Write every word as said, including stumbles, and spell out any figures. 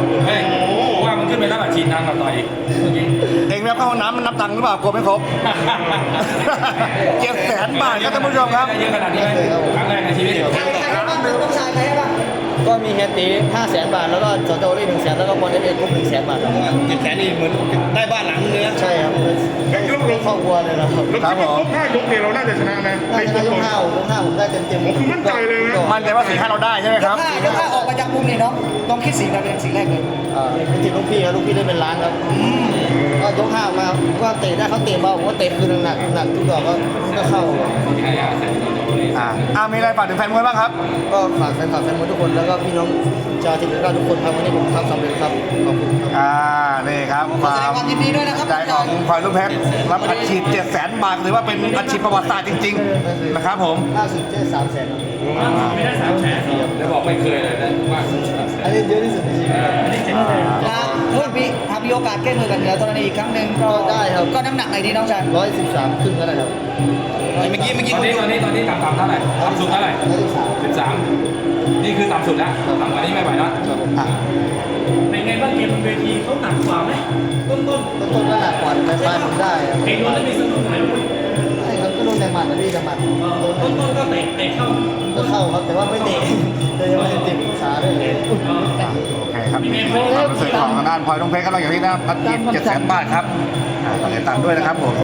เฮ้ยว่ามันขึ้นไปรับอาชีพน้ำกับต่อยอีกเมื่อกี้เองแล้วเข้าห้องน้ำมันนับตังค์หรือเปล่ากลัวไม่ครบ เจ็ดแสนบาทครับท่านผู้ชมครับได้เยอะขนาดนี้ไหมครั้งแรกในชีวิตใครใครให้บ้างต้องชายใครให้บ้างก็มีเฮตีห้าแสนบาทแล้วก็สโตรี่หนึ่งแสนแล้วก็บอลเอเอครบหนึ่งแสนบาทครับเจ็ดแสนนี่เหมือนได้บ้านหลังนึงเลยนะใช่ครับเป็นครอบครัวเลยนะครับแล้วคิดว่าครบห้ายกเนี่ยเราน่าจะชนะนะได้ชนะยกห้ายกห้าผมได้เต็มเต็มผมคือมั่นใจเลยนะมั่นใจว่าสี่ห้าเราได้ใช่ไหมครับถ้าถ้าออกมาจากมุมนี่น้องต้องคิดสีดาวเป็นสีแรกเลยอ่าเป็นทีมลูกพี่ครับลูกพี่ได้เป็นล้านครับก็ยกห้ามาก็เตะได้เขาเตะเบาผมก็เตะคืนหนักหนักทุกดอกก็ก็เข้าใช่อ่ะใส่ตัวโตเลยอ่าอ่ามีอะไรฝากถึงแฟนมวยบ้างครับก็ฝากแฟนคลับแฟนมวยทุกคนแล้วก็พี่น้องชาวทีมงานทุกคนครับวันนี้ผมทำสำเร็จครับขอบคุณครับอ่า นี่ครับคแสวาดงมความยินดีด้วยนะครับใจของพลอยลูกเพชรรับอัดฉีดเจ็ดแสนบาทถือว่าเป็นอัดฉีดประวัติศาสตร์จริงๆนะครับผมล่าสุดเจ๊สามแสนไม่ได้สามแสนแล้วบอกไม่เคยเลยนะว่าสุดสามแสนอันนี้เยอะที่สุดในชีวิตครับอันนี้เจ็ดแสนนะเพื่อนพี่หากมีโอกาสแก้มือกันเหนือตอนนี้อีกครั้งหนึ่งก็ก็ได้ครับก็น้ำหนักไหนดีน้องชายร้อยสิบสามครึ่งก็ได้ครับเมื่อกี้เมื่อกี้ตอนนี้ตอนนี้ตอนนี้ต่ำต่ำเท่าไหร่ต่ำสุดเท่าไหร่ร้อยสิบสามสิบสามนี่คือต่ำสุดแล้วต่ำกว่านี้ไม่ไหวแล้วอ่ะเป็นไงบ้างเกมบนเวทีเขาหนักกว่าไหมต้นต้นต้นต้นก็หนักกว่าแต่ปลายผมได้ครับๆเห็นโดนแล้วมีสนุกไหมใช่ครับก็โดนแต่หมัดนะพี่แต่หมัดต้นต้นๆก็เตะเตะเข้าก็เข้าครับแต่ว่าไม่เตะเลยยังไม่ได้เตะขาด้วยโอเคครับนี่คือความรู้สึกของทางด้านพลอยลูกเพชรก็เราอย่างที่นะอัดฉีดเจ็ดแสนบาทครับอ่าต่อเงินตังค์ด้วยนะครับผม